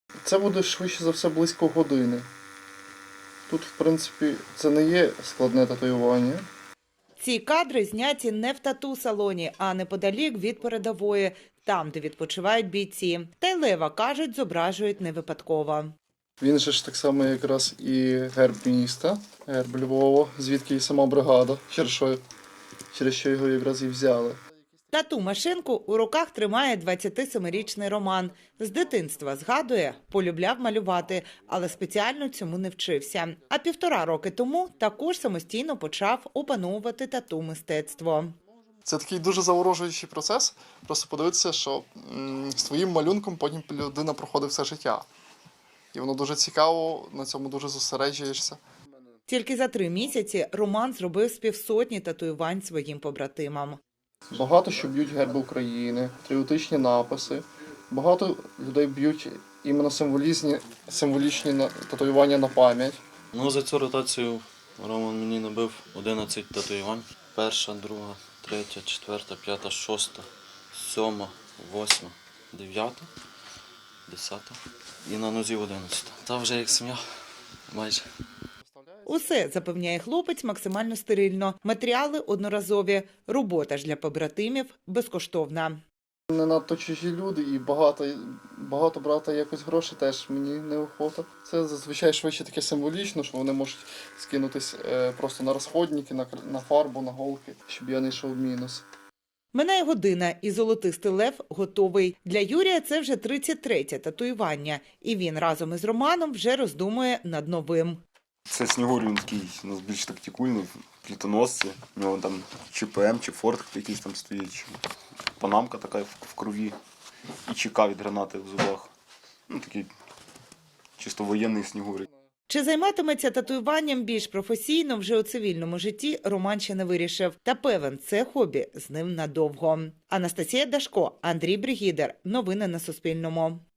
Це буде швидше за все близько години. Тут, в принципі, це не є складне татуювання. Ці кадри зняті не в тату-салоні, а неподалік від передової, там, де відпочивають бійці. Та й лева, кажуть, зображують не випадково. Він же ж так само якраз і герб міста, герб Львова, звідки і сама бригада, через що його якраз і взяли. Тату-машинку у руках тримає 27-річний Роман. З дитинства, згадує, полюбляв малювати, але спеціально цьому не вчився. А 1,5 роки тому також самостійно почав опановувати тату-мистецтво. Це такий дуже заворожуючий процес. Просто подивитися, що з твоїм малюнком потім людина проходить все життя. І воно дуже цікаво, на цьому дуже зосереджуєшся. Тільки за 3 місяці Роман зробив з 150 татуювань своїм побратимам. Багато що б'ють герби України, патріотичні написи. Багато людей б'ють іменно символічні татуювання на пам'ять. Ну, за цю ротацію Роман мені набив 11 татуювань. 1, 2, 3, 4, 5, 6, 7, 8, 9, 10 і на нозі 11. Та вже як сім'я, майже. Усе, запевняє хлопець, максимально стерильно. Матеріали одноразові. Робота ж для побратимів безкоштовна. Не надто чужі люди і багато брати якось грошей теж мені неохота. Це зазвичай швидше таке символічно, що вони можуть скинутись просто на розходники, на фарбу, на голки, щоб я не йшов в мінус. Минає година, і золотистий лев готовий. Для Юрія це вже 33-те татуювання. І він разом із Романом вже роздумує над новим. Це Снігур, він такий у нас більш тактикульний, плітоносці. У нього там чи ПМ, чи Форт якийсь там стоїть, чи панамка така в крові, і ЧК від гранати в зубах. Ну, такий чисто воєнний Снігур. Чи займатиметься татуюванням більш професійно вже у цивільному житті, Роман ще не вирішив. Та певен, це хобі з ним надовго. Анастасія Дашко, Андрій Бригідер. Новини на Суспільному.